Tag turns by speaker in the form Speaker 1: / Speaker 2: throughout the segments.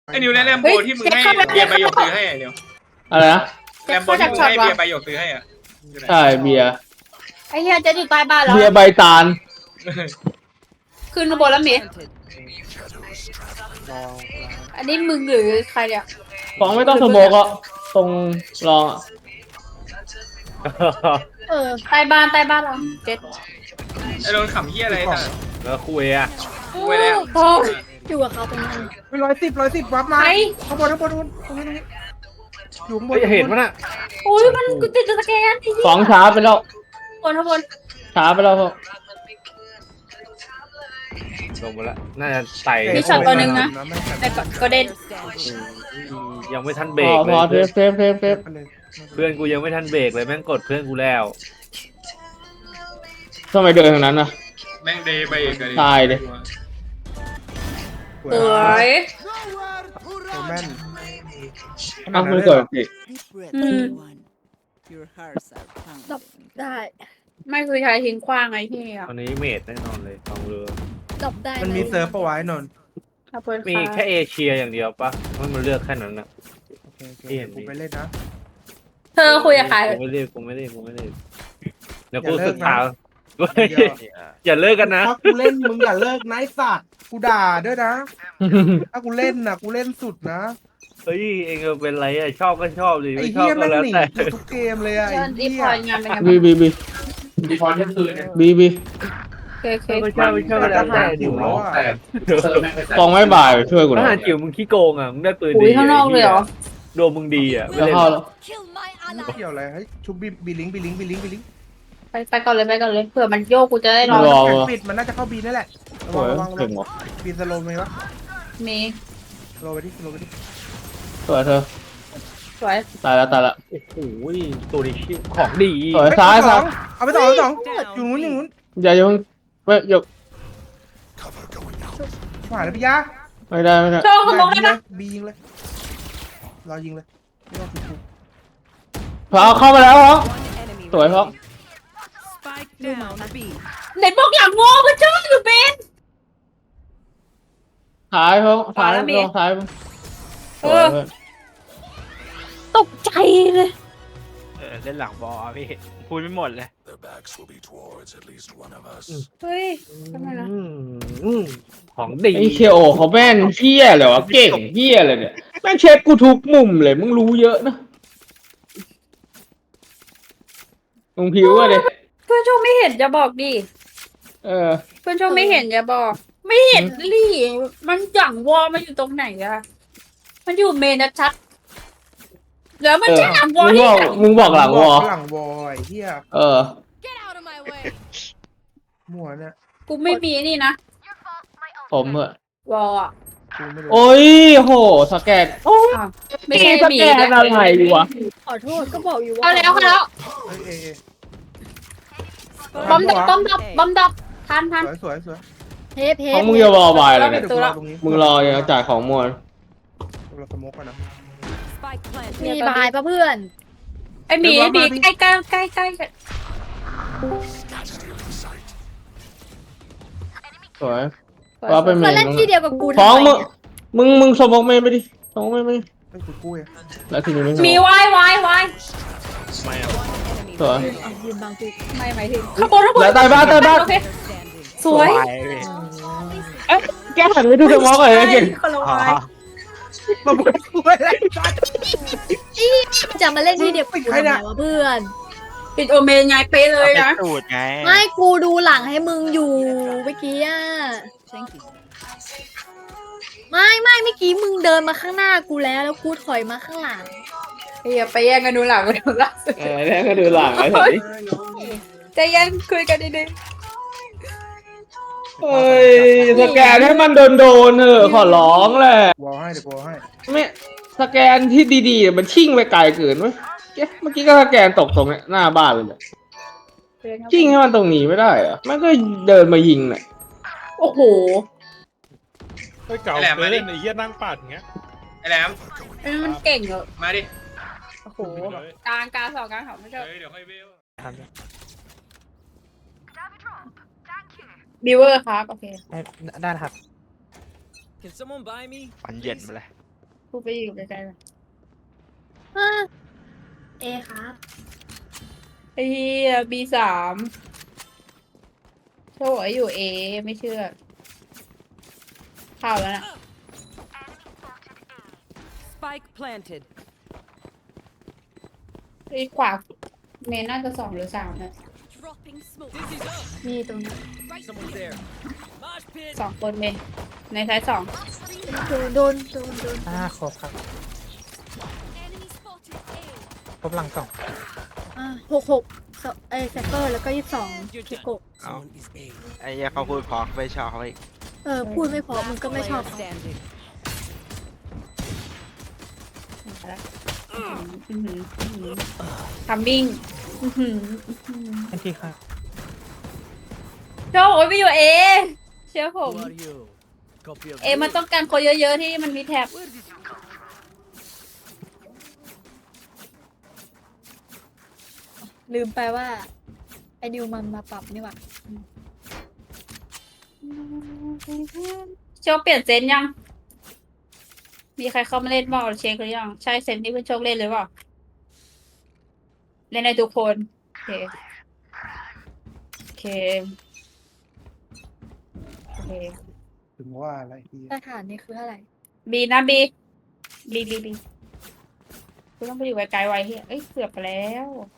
Speaker 1: ไอ้นิวแลมโบที่มึงให้เบียร์ใบหยกซื้อให้ไอ้นิว
Speaker 2: อะไรนะ
Speaker 1: แลมโบที่มึงให้เบียร์ใบหยกซื้อให้อ่ะ
Speaker 2: ใช่เบียร์
Speaker 3: ไอ้เหี้ยจะอยู่ใต้บ้านแล้ว
Speaker 2: เบียร์ใบตาล
Speaker 3: ขึ้นข้างบนแล้วเมอันนี้มึงหรือใครเนี่ย
Speaker 2: ฟ้องไม่ต้องสโมกอ่ะตรงรองอ่ะ
Speaker 3: ใต้บ้านเราเจ็ด
Speaker 1: ไอ้โดนขำเหี้ยอะไรท่าน
Speaker 4: แล้วคุยอ่ะ
Speaker 1: ไว้แล้ว
Speaker 3: โอ้อยู่กับเขาตรงนั้น
Speaker 5: ไม่110วับมาข้างบนตรงนี้อยู่ข้างบน
Speaker 4: เห็นมั้ยน่ะ
Speaker 3: โอ้ยมันกูติดสแกนไอ้เหี้ย
Speaker 2: ฟ้องช้าไปแล้ว
Speaker 3: ข้างบน
Speaker 2: ช้าไปแล้วครับ
Speaker 4: ลงมาแล้วน่าจะไต่
Speaker 3: มีช็อตตัวหนึ่งนะแต่ก็เด่น
Speaker 4: ยังไม่ทัน
Speaker 2: พ
Speaker 4: เบร
Speaker 2: อก พ
Speaker 4: เล
Speaker 2: อย เซฟ
Speaker 4: เพื่อนกูยังไม่ทันเบรกเลยแม่งกดเพื่อนกูแล้ว
Speaker 2: ทำไมเดินทางนั้นน่ะ
Speaker 1: แม่งเดย์ใบเอกเลย
Speaker 2: ตายดิ
Speaker 3: สวย
Speaker 5: แม่น
Speaker 2: อ้าวไม่เกิดสิ
Speaker 3: ได้ไม่คือใช้ทิ้งขว้างไอ้ที่อ่ะ
Speaker 4: ตอนนี้เมดแน่นอนเลยลองเรือ
Speaker 3: จบได้
Speaker 5: มันมีเซิร์ฟปะไว้นนท์
Speaker 3: ขอบคุณ
Speaker 4: มี
Speaker 3: ค่ะ
Speaker 4: แค่เอเชียอย่างเดียวปะมันเลือกแค่นั้นนะ
Speaker 5: โอเคกูไปเล่นนะ
Speaker 3: เธอคุยกับใคร
Speaker 4: กูไม่เล่นเดี๋ยวกู
Speaker 5: อย่าเลิ
Speaker 4: ศึ
Speaker 5: ก
Speaker 4: ก
Speaker 5: นะ
Speaker 4: ษาอย่าเลิกกันนะ
Speaker 5: ถ้ากูเล่นมึงอย่าเลิกนะไอ้สัตว์กูด่าด้วยนะถ้ากูเล่นนะกูเล่นสุดนะ
Speaker 4: เฮ้ยเองเป็นไรอ่ะชอบก็ชอบดิ
Speaker 5: ไอ้
Speaker 4: ไม่ชอ
Speaker 5: เหี้
Speaker 4: บ
Speaker 5: ย
Speaker 4: ก็
Speaker 5: แม่ง
Speaker 4: แล้ว
Speaker 5: หนี
Speaker 4: แต่
Speaker 5: กูทุกเกมเลยอะ
Speaker 3: เชิ
Speaker 5: ไอ้
Speaker 3: ญรี
Speaker 5: เหี้
Speaker 3: พ
Speaker 5: ย
Speaker 3: อร์ตงานเป็นไง
Speaker 2: บี
Speaker 3: บ้าง
Speaker 2: บี
Speaker 1: พอเที่ยงคืนเนี่ย
Speaker 2: บี
Speaker 3: เค
Speaker 4: ไม่ชอบก็แล้วแต่ดิ
Speaker 5: แล้วอะ
Speaker 2: ฟ้องไม่บ่ายช่วยกูห
Speaker 4: ท
Speaker 2: น่อ
Speaker 4: หาย รจิ๋วมึงขี้โกงอ่ะมึงได้ปืน
Speaker 3: อุ้
Speaker 4: ดี
Speaker 3: ยข้างนอกเลยเหรอ
Speaker 4: โดนมึงดีอ่ะไม่
Speaker 2: จะ
Speaker 4: เล่น
Speaker 2: เข้าแล้ว
Speaker 5: เกี่ยวอะไรเฮ้ยชุบบีลิงก์
Speaker 3: ไปก่อนเลยเผื่อมันโยกกูจะได้รอ
Speaker 2: รอ
Speaker 5: แข่งปิดมันน่าจะเข้าบีนั่นแหละระ
Speaker 2: โอ้
Speaker 5: วัง
Speaker 2: ย
Speaker 5: ระวัง
Speaker 2: เก่งว่ะ
Speaker 5: บีสโลว์ไหมวะ
Speaker 3: มี
Speaker 5: สโลว์ไปดิ
Speaker 2: สวยเธอ
Speaker 3: สวย
Speaker 2: ตายแล้ว
Speaker 4: โอ้โหตัวนี้ชื่อของดี
Speaker 2: สวยซ้ายซ้าย
Speaker 5: เอาไปสองอยู่นู้น
Speaker 2: อย่าเพิ่งไม่หยก
Speaker 5: ขวาเลยพี่ยา
Speaker 2: ไม่ได้
Speaker 3: โชว์ขโมยได้ปะ
Speaker 5: บียิงเลยรอยิงเลยไม่ต้องคุก
Speaker 2: พอเข้ามาแล้วเหรอสวยเพราะ
Speaker 3: ไหนบอกอย่างโง่ก็เจ้าอยู่เป็น
Speaker 2: ท้ายเพราะท้าย
Speaker 3: แล้วมี
Speaker 2: ลงท้าย
Speaker 3: เออ ตกใจเลย
Speaker 6: เล่นหลังบอลพี่พูดไม่หมดเลย
Speaker 3: เฮ้ยทำไมนะ
Speaker 4: ของดี
Speaker 2: ไอเคโอเขาแม่นเฮี้ยเลยวะเก่งเฮี้ยเลยเนี่ยแม่งเช็คกูทุกมุมเลยมึงรู้เยอะนะมึงผิวอะเด็
Speaker 3: เพื่อนโชคไม่เห็นจะบอกดิ
Speaker 2: เออ
Speaker 3: เพื่อนโชคไม่เห็นจะบอก ไม่เห็นลี่มันอย่างวอมันอยู่ตรงไหนอะมันอยู่เมนชัดแล้วมันจะหลังวอ
Speaker 2: มึงบอกหลังวอ
Speaker 5: หลังวอไอ้เหี้ย
Speaker 2: เออ
Speaker 5: มั่วเนี่ย
Speaker 3: กูไม่มีนี่นะ
Speaker 2: ผมเหอะ
Speaker 3: วออะ
Speaker 5: กูไม่รู้
Speaker 2: โอ้ยโหสแกนโอ้ย
Speaker 3: อ้าวไม่ใช่
Speaker 2: ส
Speaker 3: หมี
Speaker 2: แกนอะไรวะ
Speaker 3: ขอโทษก็บอกอยู่ว่าเอาแล้ว
Speaker 5: เอ้ย
Speaker 3: บอมดับทัน
Speaker 5: สวย
Speaker 3: เทป
Speaker 2: ของมึงจะวอลบายเลย
Speaker 5: เดี๋
Speaker 2: เนี่ย
Speaker 5: ยวกูรอตรงนี้
Speaker 2: มึงรออย่าจ่ายของมวล
Speaker 5: เราสโมกกันนะ
Speaker 3: มีบายปะเพื่อนไอหมีใกล้
Speaker 2: สวยว่าไปเม
Speaker 3: มาเล่นที่เดียวกับกู
Speaker 2: ฟ้องมึงสมองเมย์ไปดิสมองเมย์ไปดิ
Speaker 5: ไอ้กูกู้อ่ะ
Speaker 2: แล้วทีนี้ไม่
Speaker 3: มีวาย
Speaker 2: สวย
Speaker 3: ไม่หมายถึงข้างบน
Speaker 2: แล้วตายบ้าน
Speaker 3: โอเคสวย
Speaker 2: เอ๊ะแกหันไปดูสมองก่อนเลยเก่ง
Speaker 3: คนละวาย
Speaker 5: มาบุกกู้อะไร
Speaker 7: จะมาเล่นที่เดียวกับกูทำไมวะเพื่อน
Speaker 3: ปิดโอเมนไงเป๊ะเลยนะ
Speaker 6: สูตรไง
Speaker 7: ไม่กูดูหลังให้มึงอยู่เมื่อกี้อ่ะไม่เมื่อกี้มึงเดินมาข้างหน้ากูแล้วกูถอยมาข้างหลัง
Speaker 3: อย่าไปแย่งกันดูหลังกันดูหลัง
Speaker 2: แล้วก็ดูหลังไอ้สิ
Speaker 3: ใจเย็นคุยกันดี
Speaker 2: เฮ้ยสแกนให้มันโดนเถอะขอร้องแหละ
Speaker 5: วอลให้เดี๋ยวกูให้
Speaker 2: ไม่สแกนที่ดีๆมันชิ่งไปไกลเกินเว้ยเมื่อกี้ก็สแกนตกตรงเนี้ยหน้าบ้านเลยเนี่ย
Speaker 3: ๆ
Speaker 2: ชิ่งให้มันตรงนี้ไม่ได้เหรอะมันก็เดินมายิงเนี่ย
Speaker 3: โอ้โห
Speaker 8: ไอ้เก่าเล่นไอ้เหี้ยนั่งปัดอย่างเงี้ย
Speaker 1: ไอ้แหลม
Speaker 3: มันเก่งเหรอ
Speaker 1: มาดิ
Speaker 3: โอ้โหกลางสองกลางไม่ชอบ
Speaker 1: เดี๋ยวค่อยเวล
Speaker 3: บิวเวอร์ครับโอเค
Speaker 6: ได้ครับปันเย็นมาเลย
Speaker 3: กูไปอยู่ไกลๆ
Speaker 7: เอครับ
Speaker 3: ไอ้เหี้ย B3 โชว์ไอ้อยู่ A ไม่เชื่อเข้าแล้วนะ
Speaker 9: Spike planted.
Speaker 3: ไอ้ขวาเมนน่าจะ2 หรือ 3นะ
Speaker 9: Dropping smoke.
Speaker 7: นี่ตรงนี้
Speaker 9: Someone's there. Mosh pit.
Speaker 3: 2 คนเมนในท้าย2
Speaker 7: โดน
Speaker 6: ครบครับ
Speaker 9: Enemy spotted. A.
Speaker 6: ครบหลังสอง
Speaker 7: 66ไซเฟอร์แล้วก็22คิโกะ
Speaker 6: ไอ้เหี้ยเขาพูดพอไม่ชอบเขาอีก
Speaker 7: พูดไม่พอมึงก็ไม่ชอบ
Speaker 9: Player standing.
Speaker 3: ทัมมิ่ง
Speaker 6: ทันทีค่ะ
Speaker 3: โชว์โอ้ยไปอยู่ A เชื่อผม
Speaker 9: Who are you? Copy of
Speaker 3: A มันต้องการคนเยอะๆที่มันมีแท็บ
Speaker 7: ลืมไปว่า ไอ้นิวมันมาปรับนี่หว่า
Speaker 3: โชคเปลี่ยนเซนยัง มีใครเข้ามาเล่นบ้างเช็คหรือยัง ใช่เซนที่เพื่อนโชคเล่นหรือเปล่า เล่นในทุกคน โอเค โอเค โอเค
Speaker 5: ถึงว่าอะไรที่
Speaker 7: สถานนี่คืออะไร
Speaker 3: บีนะบีกูต้องไปอยู่ไกลๆไว้เฮียเอ้ยเกือบไปแล้ว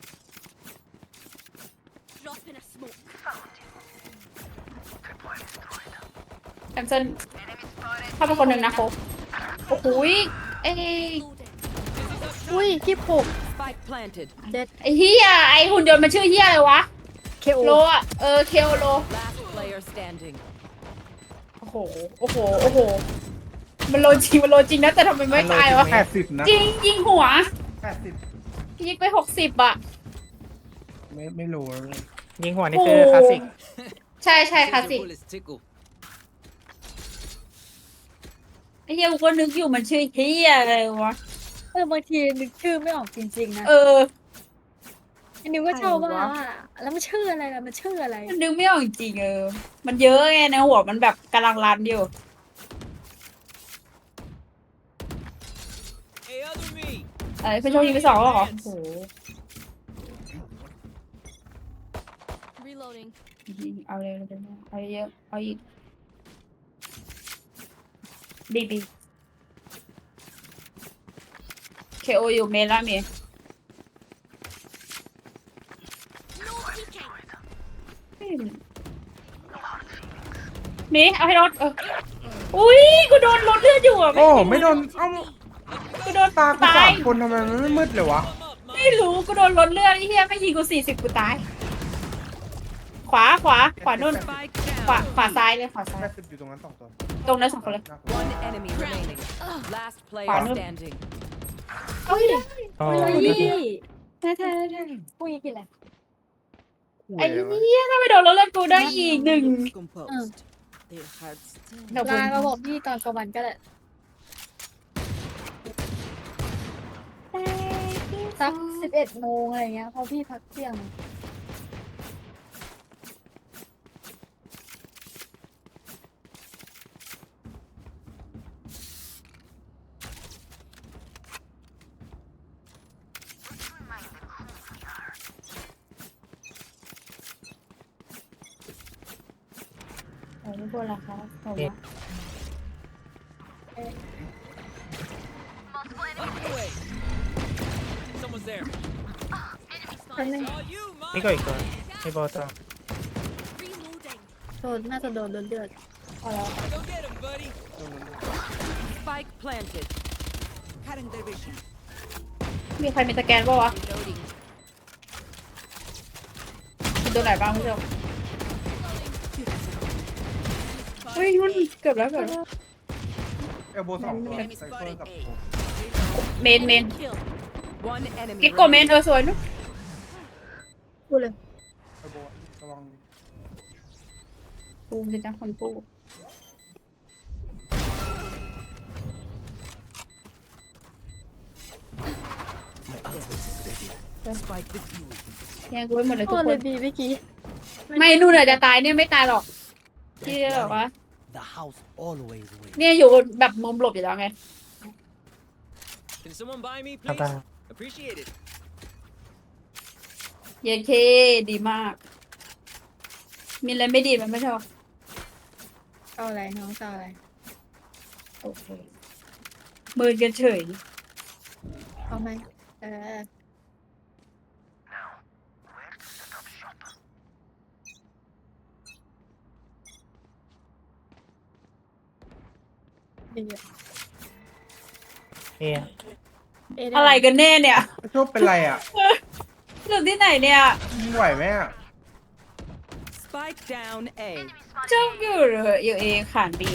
Speaker 9: Drop in a smoke.
Speaker 3: แคนเซิลเข้าไปคนหนึ่งนะโคบโอ้โหยเอ้ย
Speaker 9: Loaded.
Speaker 7: อุ้ย26
Speaker 9: Spike planted.
Speaker 3: ไอ้เฮียไอ้หุ่นยนต์มันชื่อเฮียอะไรวะ
Speaker 7: KO
Speaker 3: โลอะเคโอโล
Speaker 9: Last player standing.
Speaker 3: โอ้โห มันโลจริงนะแต่ทำไมไม่ตายวะ
Speaker 5: 80นะ
Speaker 3: จริงยิงหัว
Speaker 5: 80
Speaker 3: ยิงไป60อ่ะ
Speaker 5: ไม่รู้
Speaker 6: ยิงหัวนี่คือคลาสสิก
Speaker 3: ใช่คลาสสิกไอ้เฮียกูก็นึกอยู่มันชื่อเฮียอะไรวะ
Speaker 7: บางทีนึกชื่อไม่ออกจริงๆนะ ไอ้นิวก็ชอบว่าแล้วมันชื่ออะไรล่ะมันชื่ออะไร
Speaker 3: มันนึกไม่ออกจริงมันเยอะไงในหัวมันแบบกำลังรันอยู่
Speaker 9: Hey, other me.
Speaker 3: เพื่อนโชคยิงไป2แล้วเหรอโอ้โห
Speaker 9: Reloading.
Speaker 3: เอาเลยเอาเยอะเอาอีกบีเคโออยู่เมล่าเม
Speaker 9: No peeking.
Speaker 3: มีเอาให้รถอุ้ยกูโดนรถเลือดอยู่อ่ะ
Speaker 5: โอ้ไม่โดนเอ้า
Speaker 3: กูโดน
Speaker 5: ตากู
Speaker 3: ตา
Speaker 5: สาย มคนทำไมมันไม่มืดเลยวะ
Speaker 3: ไม่รู้กูโดนรถเลือดไอ้เหี้ยไม่ยิงกู40กูตาย ขวานู่น
Speaker 9: Spike
Speaker 3: ขวา
Speaker 9: down.
Speaker 3: ขวาซ้ายเลยขวาซ้าย
Speaker 5: 80อยู่ตรงนั้น2 ตัว
Speaker 3: ตรงนั้น2 คนเลย
Speaker 9: One enemy remaining. Last player
Speaker 3: Fine.
Speaker 9: standing.
Speaker 3: เอ้ย
Speaker 6: อ๋อ
Speaker 7: เฮ้ยพี่แท้พวกนี้กินอะไร
Speaker 3: ไอ้เหี้ยถ้าไม่โดนรถเลือดกูได้อีก1
Speaker 9: Composed. Their hearts still.
Speaker 3: เดี๋ยว
Speaker 7: ไลน์มาบอกพี่ตอนกลางวันก็ได้สัก11 โมงอะไรเงี้ยเพราะพี่พักเที่ยง
Speaker 3: ไม่ควรละครับผมว่า
Speaker 9: Away. Someone's there.
Speaker 7: คนนึง
Speaker 9: Saw you,
Speaker 6: นี่ก็อีกตัวมีโบตัว
Speaker 9: Reloading.
Speaker 7: น่าจะโดนเลือด
Speaker 3: เอาแล้ว
Speaker 9: Go get him, buddy. Spike planted. Cutting their vision.
Speaker 3: มีใครมีสแกนป่าวะ
Speaker 9: Reloading.
Speaker 3: มีตัวไหนบ้างพี่เจ้าเฮ้ยมันเกือบแล้ว
Speaker 5: เอลโบ2 ตัวไซเฟอร์กับ
Speaker 3: เมน
Speaker 9: Kill. One enemy.
Speaker 3: กิ๊กโกเมนสวยนุ๊ก
Speaker 7: พูดเลย
Speaker 5: เอลโบระวัง
Speaker 3: ปูสิจ้าคนปู
Speaker 9: Spike defused.
Speaker 3: แย่งกูไปหมดเลย
Speaker 7: พู
Speaker 3: ทุก
Speaker 7: ด
Speaker 3: ค
Speaker 7: เล
Speaker 3: น
Speaker 7: ยดีเมื่อกี้
Speaker 3: ไม่นู่นอะจะตายเนี่ยไม่ตายหรอกที่แบบว่า
Speaker 9: The house always wins.
Speaker 3: เนี่ยอยู่แบบมุมหลบอยู่แล้วไง
Speaker 6: ครับได้
Speaker 3: เยเคดีมาก มีอะไรไม่ดีมันไม่ชอบ
Speaker 7: เอาอะไรน้องจะเอาอะไร
Speaker 3: โอเคมือกันเฉย
Speaker 7: เอาไหมดีอะ
Speaker 6: เอ๊ะ
Speaker 7: เด้
Speaker 3: อะไรกันแน่เนี่ย
Speaker 5: โชคเป็นไรอ่ะ
Speaker 3: หรือที่ไหนเนี่ย
Speaker 5: มึงไหวไหมอ่ะ
Speaker 9: Spike down A.
Speaker 3: เจ้าอยู่เหรออยู่เอขานบี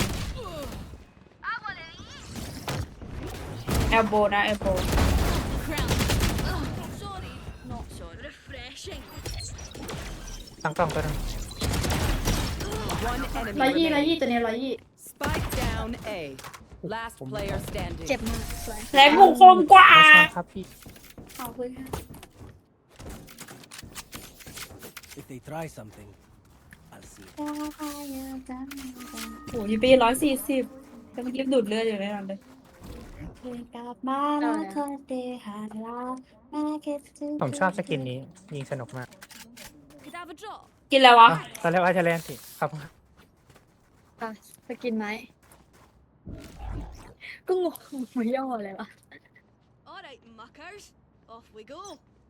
Speaker 3: แอลโบนะแอลโบ
Speaker 6: ตั้งกล้องตัวนึง
Speaker 9: One enemy
Speaker 3: 120
Speaker 9: remaining.
Speaker 3: ตัวนี้
Speaker 9: Spike down A. Last player standing.
Speaker 7: เจ็บมากสวย
Speaker 3: 100แรงบุกคมกว่า
Speaker 6: ไม่ชอบครับพี่
Speaker 3: ขอบคุณค่ะ
Speaker 10: If they try something, I'll see.
Speaker 3: โอ้ยปี140แต่เมื่อกี้ดูดเลือดอยู่แน่นอนเลยกลับมาแล้วเธอเดหาเราแม่คิดถึง
Speaker 6: ผมชอบสกินนี้ยิงสนุกมาก
Speaker 3: กินแล้ววะ
Speaker 6: อ่ะตอนแรกว่าจะเล่นสิครับ
Speaker 7: อ่ะสกินไหมก็งงไม่ย่อเลยวะ
Speaker 9: Alright, muckers. Off we go.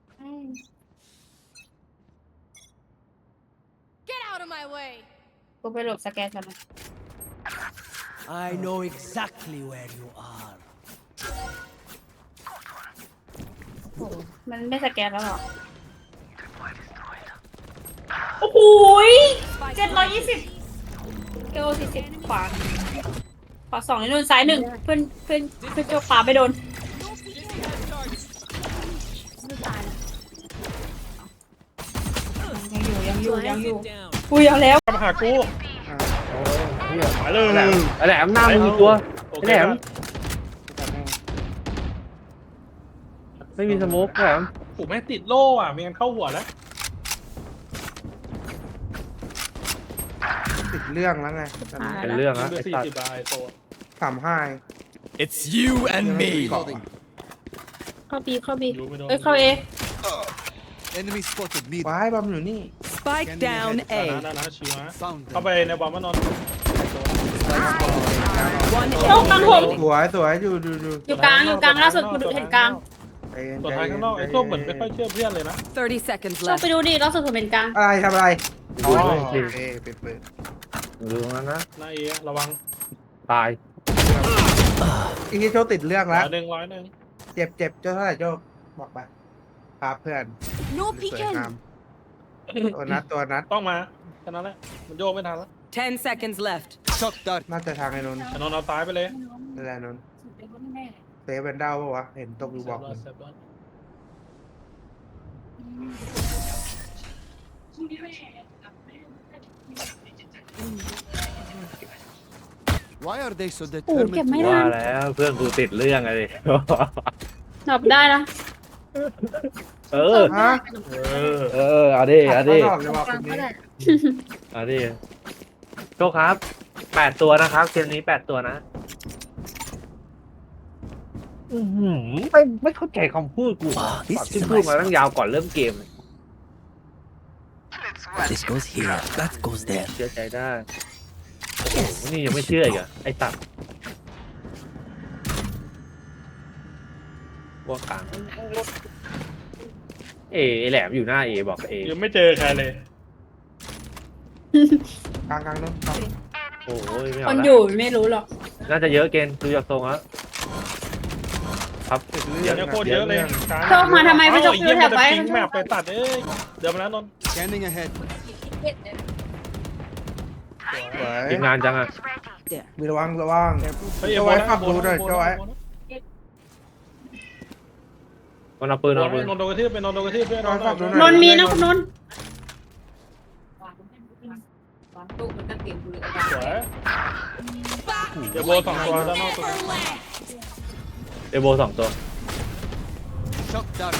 Speaker 9: Get out of my way.
Speaker 3: กูไปหลบสแกนกันนะ
Speaker 10: I know exactly where you are.
Speaker 3: โอ้มันไม่สแกนแล้วหรอ โอ้โห720เกล40ขวา2ในนู่นซ้าย1เพื่อนโจขวาไปโดน
Speaker 7: ไม่ตายนะ
Speaker 3: ยังอยู่กูยเอาแล้ว
Speaker 8: มาหากู
Speaker 2: เหี้ย
Speaker 8: มาเลย
Speaker 2: ไอ้แหลมหน้ามึงมีตัว
Speaker 8: โอ
Speaker 2: ไอ้
Speaker 8: เค
Speaker 2: แหลม
Speaker 8: ปะ
Speaker 2: ไม่มีสโมกแหลม
Speaker 8: โอ้แม่งติดโล่อ่ะมีกันเข้าหัวแล้ว
Speaker 5: ติดเรื่องแล้วไงตอนนี้
Speaker 2: เป็นเรื่อง
Speaker 8: ยิ
Speaker 2: นะ
Speaker 8: งไป
Speaker 2: ไอ้
Speaker 8: สี่
Speaker 2: สัต
Speaker 8: สิบ
Speaker 2: ว์
Speaker 8: บาทโต
Speaker 5: 35
Speaker 10: It's you and
Speaker 5: ยังไม่
Speaker 10: me.
Speaker 5: มีเกาะ
Speaker 3: เข้าบี
Speaker 8: อยู่ไม่โดน
Speaker 3: เอ้ยเข้าเอ
Speaker 10: Enemy spotted me.
Speaker 5: ว้ายบอมอยู่นี่
Speaker 9: Spike down
Speaker 8: นะ
Speaker 9: A.
Speaker 8: นะชิวนะ
Speaker 10: Found
Speaker 8: เข้า
Speaker 10: them.
Speaker 8: ไปในบอมมานอน
Speaker 9: One
Speaker 3: โชคกลางผม
Speaker 5: สวยสวยอยู่
Speaker 3: อยู่กลางล่าสุดกูเห็นกลาง
Speaker 5: ใจเย็น
Speaker 8: ตัว
Speaker 5: ใจ
Speaker 8: ท้าย
Speaker 5: เย็
Speaker 8: ข้าน งนอกไอ้ตัวเหมือนไม่ค่อยเชื่อเพื่อนเลยนะ
Speaker 9: 30 seconds
Speaker 3: โชค
Speaker 9: left.
Speaker 3: ไปดูดิล่าสุดผมเป็นกลาง
Speaker 5: อะไรทำอะไร
Speaker 2: อ๋อ
Speaker 5: โอเคเป็นปืน
Speaker 2: ดูตรงนั้นนะ
Speaker 8: หน้าเอระวัง
Speaker 2: ตาย
Speaker 5: อีกทีโชคติดเรื่องแล้ว
Speaker 8: 100
Speaker 5: เจ็บเจ้าเท่าไหร่โชคบอกไปครับเพื่อน
Speaker 9: No
Speaker 5: สวยงามตัวนัด
Speaker 8: ต้องมาแค่นั้นแหละมันโยกไม่ทันแล้ว
Speaker 9: 10 seconds left.
Speaker 10: Shot that.
Speaker 5: น่าจะทางไอ้นนท์
Speaker 8: ไอ้นนท์เอาตายไปเลย
Speaker 5: นั่นแหละนนท์เซฟเป็นดาวปะวะเห็นตกอยู่บอก
Speaker 8: เซฟรอด
Speaker 10: Why are they so
Speaker 3: โอ้เก็บ
Speaker 10: determined?
Speaker 3: ไม่
Speaker 10: to-
Speaker 3: ทั
Speaker 2: ว่าน แล้วเพื่อนกูติดเรื่องอะไร
Speaker 3: ดับได้นะ
Speaker 2: เออ
Speaker 5: ฮะ
Speaker 2: เอาดิเอาดิ
Speaker 5: ขับรถออกเลยว่ะคนนี้
Speaker 2: เอาดิโชคครับ8ตัวนะครับเกมนี้8ตัวนะไม่เข้าใจคำพูดกูที่พูดมาตั้งยาวก่อนเริ่มเกม
Speaker 10: This goes here. That goes there.
Speaker 2: เชื่อใจได้โอ้โหนี่ยังไม่เชื่ออีกอะไอ้ตัดพวกกลางไอ้แหลมอยู่หน้าเอบอกเอ
Speaker 8: ยังไม่เจอใครเลย
Speaker 5: กลางนนท์
Speaker 2: โอ้ยไม่
Speaker 3: ค
Speaker 2: เอา
Speaker 3: น
Speaker 2: ละ
Speaker 3: อยู่ไม่รู้หรอก
Speaker 2: น่าจะเยอะเกินดูจากทรงแล้วครับ
Speaker 8: เดี๋ยวโคตรเยอะเลย
Speaker 3: โชคมาทำไมไม่โชค
Speaker 8: เยี่ยม
Speaker 3: แถ
Speaker 8: มัน
Speaker 3: บ
Speaker 8: จะ
Speaker 3: ไว้
Speaker 8: ทิ้งแมปไปตัดเดี๋ยวมาแล้วนนท์
Speaker 10: Scanning ahead.
Speaker 5: สวย
Speaker 2: ทีมงานจังอะ
Speaker 5: มีระวัง
Speaker 8: เฮ้ย
Speaker 5: เจ้าไว้ขับดูหน่อยเจ้าไว้
Speaker 2: มันเอาปืนเอาปืน
Speaker 8: นนท์โดนกระทืบไปนนท์โดนกระทืบด้วย
Speaker 3: นนท์มีนะคุณนนท์
Speaker 8: สวยเดี๋ยวโบ2 ตัวด้านนอกตัว
Speaker 2: เอโบ2 ตัว
Speaker 10: Shot down.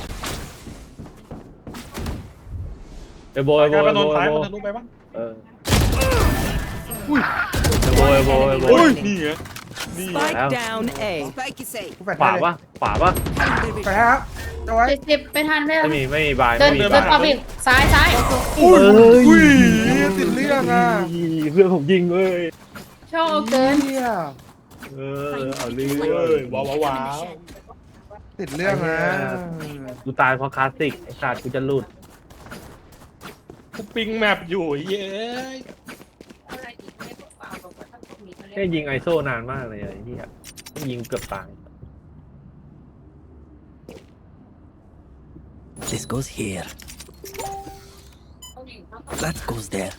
Speaker 2: เอโบ
Speaker 8: กลายเป็นนนท์ซ้ายมันทะลุไปปะ
Speaker 2: เออเอโบ
Speaker 8: โอ้ยนี่ไง
Speaker 9: Spike down A.
Speaker 5: กูแฟด
Speaker 4: ขวา
Speaker 5: ให้เลย
Speaker 4: ปะขวาปะ
Speaker 5: แฟดให้ครับจะไว้
Speaker 3: 70ไปทันไหม
Speaker 4: ไม่มีบาย
Speaker 3: เดิน
Speaker 4: ไม่มี
Speaker 3: เดิ
Speaker 4: บาน ย
Speaker 3: ปั๊บอีกซ้ายซ้าย
Speaker 5: อุ้ยติดเรื่องอ่ะ
Speaker 4: เพื่อนผมยิงเว้ย
Speaker 3: โชคเกิน
Speaker 5: เหี้ย
Speaker 4: เอาเรื่
Speaker 8: เฮ้
Speaker 4: อย
Speaker 8: ว้าวว้าว
Speaker 5: ติดเรื่องนะ
Speaker 4: กูตายเพราะคลาสสิกไอ้สัตว์กูจะหลุด
Speaker 8: กูปิงแมปอยู่เย้ย
Speaker 4: แค่ยิงไอโซ่นานมากเลยไอ้เหี้ยยิงเกือบตาย
Speaker 10: This goes here. That goes there.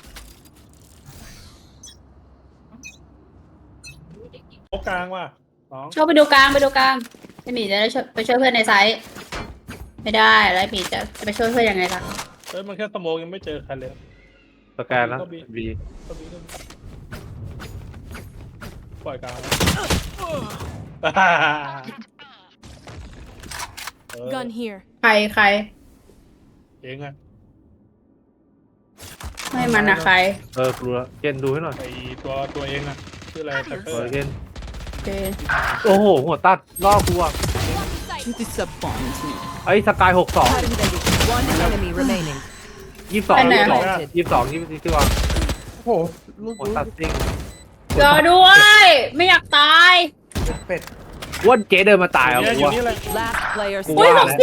Speaker 8: โอ้กลางว่ะสอง
Speaker 3: โชคไปดูกลางไอหมีจะได้ไปช่วยเพื่อนในไซต์ไม่ได้แล้วไอหมีจะไปช่วยเพื่อนยังไงล่ะ
Speaker 8: เฮ้ยมันแค่สโมองยังไม่เจอใครเลย
Speaker 4: สแกนแล้วบี
Speaker 8: ปล่อยกลาง
Speaker 9: Gun here.
Speaker 3: ใคร
Speaker 8: เองอะ
Speaker 3: ไม่มันอะใคร
Speaker 4: กลัวเกนดูให้หน่อย
Speaker 8: ไอตัวเองอะชื่ออะไรแต่
Speaker 4: ตัวเกน
Speaker 3: โอเค
Speaker 4: โอ้โหหัวตัดล่อกูอ่ะ
Speaker 9: Disappoint me.
Speaker 4: ไอ้สกาย62
Speaker 9: One enemy remaining.
Speaker 4: 22ที่วาง
Speaker 5: โอ้โหลูก
Speaker 4: หัวตัดซิ่ง
Speaker 3: รอด้วย ไม่อยากตาย
Speaker 5: เป็ด
Speaker 4: ว่าเจ๊เดินมาตายอ่ะ
Speaker 8: เนี่ย
Speaker 4: กู
Speaker 8: อยู่
Speaker 4: ว่า
Speaker 8: นี่เลย
Speaker 9: Last player
Speaker 4: กู
Speaker 3: อุ้ย
Speaker 4: ว่า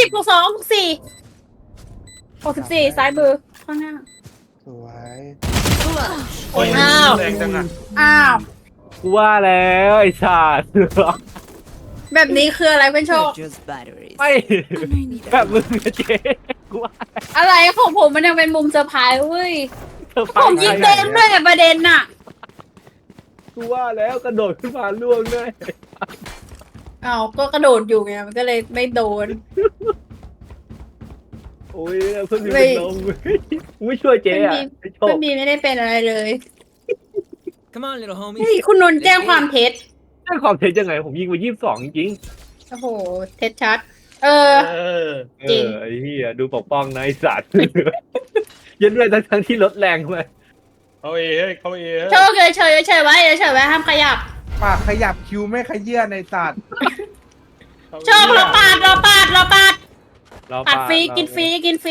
Speaker 3: 64ซ้ายมือข้างหน้า
Speaker 5: สวย
Speaker 8: โอ้ย
Speaker 3: อ้าว
Speaker 8: แรงจังอะ
Speaker 3: อ้าว
Speaker 4: กูว่าแล้วไอ้ชาติ
Speaker 3: แบบนี้คืออะไรเพื่อนโชค
Speaker 9: Just batteries.
Speaker 4: ไม่แบบมึงอะเจ๊กูว่า
Speaker 3: อะไรของผมมันยังเป็นมุมเซอร์ไพรส์เว้ย
Speaker 4: เธอ
Speaker 3: ผมยิงเต็มด้วยอะประเด็นน่ะ
Speaker 4: กูว่าแล้วกระโดดขึ้นมาล่วงด้วย
Speaker 3: อ้าวก็กระโดดอยู่ไงมันก็เลยไม่โดน
Speaker 4: โอ้ยเพิ่งมีเป็นลมไม่ช่วยเจ๊อะไอ้โช
Speaker 3: เพื่
Speaker 4: ค
Speaker 3: อนบีไม่ได้เป็นอะไรเลย
Speaker 10: Come on, little homie.
Speaker 3: เฮ้ยคุณนนท์แจ้งความเท็จ
Speaker 4: ได้ความเท็จยังไงผมยิงไป22จริง
Speaker 3: โอ้โหเท็จชัด
Speaker 8: เออ
Speaker 3: จริง
Speaker 4: ไอ้เหี้ยดูปกป้องนะไอ้สัตว์ ยันด้วยทั้งที่ลดแรงทำไม
Speaker 8: เขาเฮ้ยเขาเฮ้ย
Speaker 3: โชคเฉยไว้ห้ามขยับ
Speaker 5: ปากขยับคิวไม่ขยื่นในสัตว์
Speaker 3: โชคเราปาดปัดฟรีกินฟรี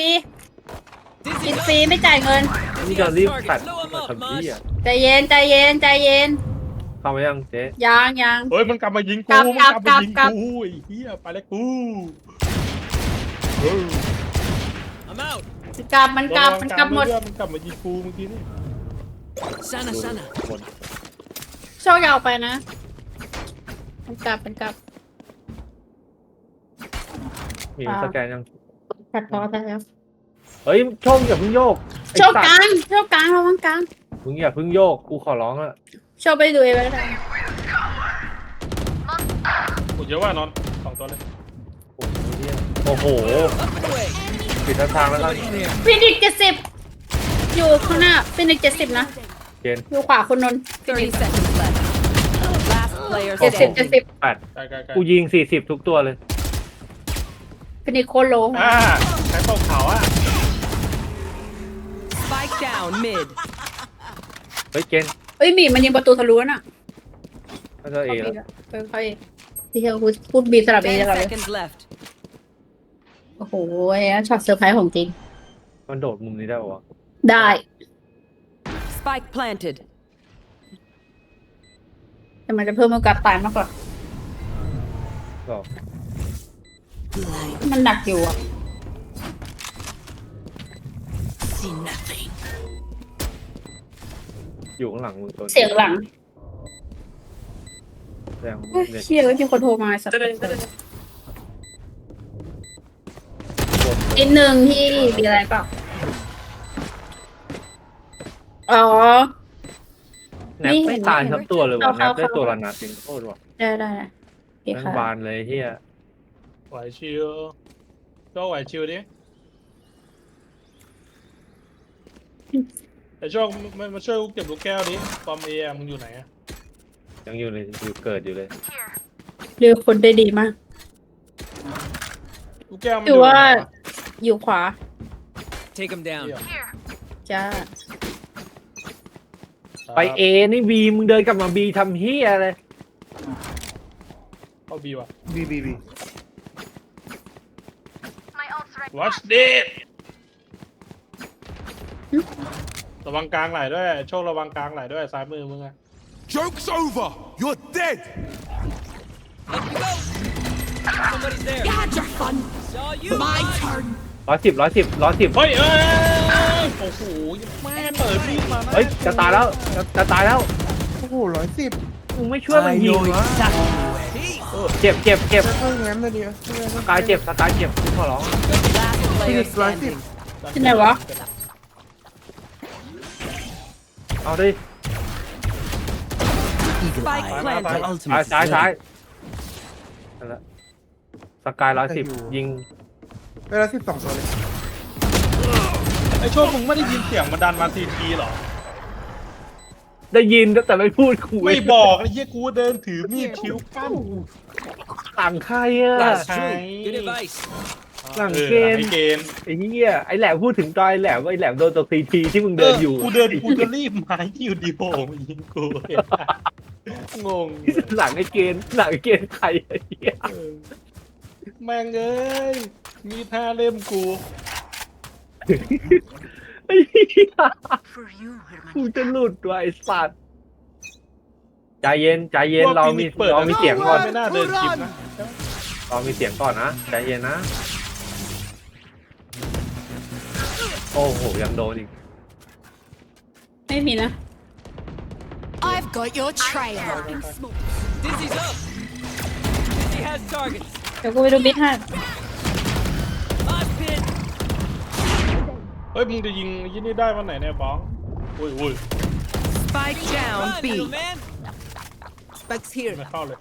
Speaker 3: ไม่จ่ายเงิน
Speaker 4: นี่จะรีบตัดทำที่อ่ะ
Speaker 3: ใจเย็น
Speaker 4: เข้ามายังเจ๊
Speaker 3: ยัง
Speaker 8: เฮ้ยมันกลับมายิงกู
Speaker 3: กลับ
Speaker 8: มันกลับมายิง
Speaker 3: กลับ
Speaker 8: กูไอ้เหี้ยไปแล้วกู
Speaker 10: I'm out.
Speaker 3: กลับมันกลับหมด
Speaker 8: มันกลับมายิงกูเมื่อกี้นี่
Speaker 10: Sana, sana.
Speaker 3: โชคอยาวไปนะมันกลับ
Speaker 4: มีสแกนยัง
Speaker 3: ตัดพอแล้ว
Speaker 4: เฮ้ยโชคอย่าเพิ่งโยก
Speaker 3: โชคกลางระวังกลาง
Speaker 4: มึงอย่าเพิ่งโยกกูขอร้องละ
Speaker 3: โชคไปดูเองก็ได้
Speaker 8: กูเยอะว่านอน2ตัวเลย
Speaker 4: โอ้โหปิดทางแล้วกัน
Speaker 3: ฟินิก70อยู่ข้างหน้าฟินิก70นะ
Speaker 4: เกณฑ์
Speaker 3: อยู่ขวาคุณนนท์ฟินิก
Speaker 9: 30 seconds left. Last player
Speaker 3: 70
Speaker 4: 8
Speaker 8: ไกล
Speaker 4: กูยิง40ทุกตัวเลย
Speaker 3: ฟินิกโคโล
Speaker 8: ใช้เป้าเขาอ่ะ
Speaker 9: Spike down mid.
Speaker 4: เฮ้ยเกณฑ์
Speaker 3: เอ้ยหมีมันยิงประตูทะลุน่ะ
Speaker 4: น่าจะเอแล้ว
Speaker 3: ค่อยที่เขาพูดบีสลับเอ
Speaker 9: 10
Speaker 3: สลับเลย
Speaker 9: seconds left.
Speaker 3: โอ้โหช็อตเซอร์ไพรส์ของจริง
Speaker 4: มันโดดมุมนี้ได้ปะวะ
Speaker 3: ได้
Speaker 9: Spike planted.
Speaker 3: แต่มันจะเพิ่มโอกาสตายมากกว่า
Speaker 4: ก็
Speaker 3: มันหนักอยู่อ่ะ
Speaker 10: See nothing.
Speaker 4: อยู่ข้างหลังมึงตัว
Speaker 3: เสียงหลัง
Speaker 4: แรง
Speaker 3: เฮ้ย
Speaker 4: เนี่ย
Speaker 3: เชี่ยมีคนโทรมาสักนิดนึงที่มีอะไรเปล่าอ๋อ
Speaker 4: แนบไม่ตายทั้งตัวเลยว่ะแนบได้ตัวละนัดจริงโคตรว่ะ
Speaker 3: ได้โอเค
Speaker 4: ทั้ง
Speaker 3: ค่ะ
Speaker 4: บานเลยเฮีย
Speaker 8: ไหวชิวก็ไหวชิวดิแต่ช่วงมาช่วยกูเก็บลูกแก้วดิปอมเอมึงอยู่ไหนอะ
Speaker 4: ยังอยู่เลยอยู่เกิดอยู่เลย
Speaker 3: เลือกคนได้ดีมาก
Speaker 8: ลูกแก้วมัน
Speaker 3: คือว่า
Speaker 8: ไหนวะ
Speaker 3: อยู่ขวา
Speaker 10: Take him down.
Speaker 3: จ้า
Speaker 4: ไปเอนี่บีมึงเดินกลับมาบีทำเฮียอะไร
Speaker 8: บีว่ะ
Speaker 5: บี
Speaker 8: watch this ระวังกลางไหลด้วยโชคระวังกลางไหลด้วยซ้ายมือมึงอะ
Speaker 10: Joke's over. You're dead.
Speaker 9: Somebody's there.
Speaker 10: You had your fun.
Speaker 9: Saw you.
Speaker 10: My turn.
Speaker 4: 110
Speaker 8: เฮ้ยโอ้โหแม่เปิดมีดมานะ
Speaker 4: เฮ้ยจะตายแล้วจะตายแล้ว
Speaker 5: โอ้โห110
Speaker 4: มึงไม่ช่วยมัน
Speaker 10: I
Speaker 4: ยิง
Speaker 10: know
Speaker 4: วะ
Speaker 10: exactly where.
Speaker 4: เจ็บ
Speaker 5: ถ้างั้นเลยดิ
Speaker 4: สกายเจ็บกูขอร้อง
Speaker 9: Last player standing.
Speaker 3: ที่ไหนวะ
Speaker 4: เอาดิ
Speaker 10: Eagle
Speaker 9: Spike
Speaker 10: eye.
Speaker 9: planted.
Speaker 10: My
Speaker 4: ซ้าย
Speaker 10: ultimate.
Speaker 4: ซ้ายนั่นแหละสกาย110ยิง
Speaker 5: เวลา12ตัวเลย
Speaker 8: ไอ้โชคมึงไม่ได้ยินเสียงมันดันมาทีหรอ
Speaker 4: ได้ยินแต่ไม่พูดคุย
Speaker 8: ไม่บอกไอ้เหี้ยกูเดินถือมีดคิ้วกั้น
Speaker 4: หลังใครอะ
Speaker 8: ใช่
Speaker 9: Good advice.
Speaker 4: หลังเกม
Speaker 8: ไอ้เกม
Speaker 4: ไอ้เหี้ยไอ้แหลมพูดถึงตอนไอ้แหลมว่าไอ้แหลมโดนตัวซีทีที่มึงเดินอยู่
Speaker 8: กูจะรีบมาอยู่ดีโผล่มายิงกูงง
Speaker 4: หลังไอ้เกณฑ์ใครไอ้เหี้ย
Speaker 8: แม่งเอ้ยมีท่าเล่มกู
Speaker 4: ไอ้เหี้ยกูจะหลุดว่ะไอ้สัตว์ใจเย็นเรามีเสียงก่อน
Speaker 8: ไม่น่าเดินคลิปนะ
Speaker 4: เรามีเสียงก่อนนะใจเย็นนะโอ้โหยังโดนอีก
Speaker 3: ไม่มีนะ
Speaker 10: I've got your trail.
Speaker 9: Dizzy's up. Dizzy has targets.
Speaker 3: เดี๋ยวกูไปดูบิทให้
Speaker 9: Mosh pit.
Speaker 8: เฮ้ยมึงจะยิงยี่นี่ได้วันไหนเนี่ยบ้องอุ้ย
Speaker 9: Spike down. B. Man.
Speaker 10: Spike's here.
Speaker 8: ไม่เข้าเลย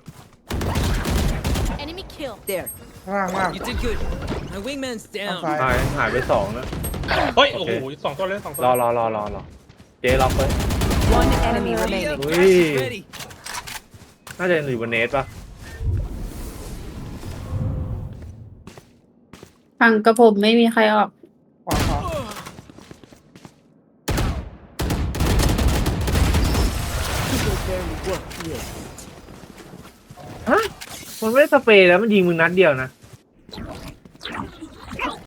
Speaker 7: enemy kill
Speaker 9: There.
Speaker 5: ล่าง
Speaker 9: You did good. My wingman's
Speaker 5: ทาง
Speaker 9: down.
Speaker 5: ซ้าย
Speaker 4: หายไป2นะ
Speaker 8: เฮ้ยโอ้โหสองตัวเลย2ตัว
Speaker 4: รอเจ๊ล็อกเลย
Speaker 9: One enemy remaining.
Speaker 4: Ui.
Speaker 9: Ready.
Speaker 4: น่าจะอยู่บนเนสป่ะ
Speaker 3: ฝั่งกระผมไม่มีใครออก
Speaker 5: ขวา
Speaker 4: ฮะมันไม่ได้สเปรย์แล้วมันยิงมึงนัดเดียวนะ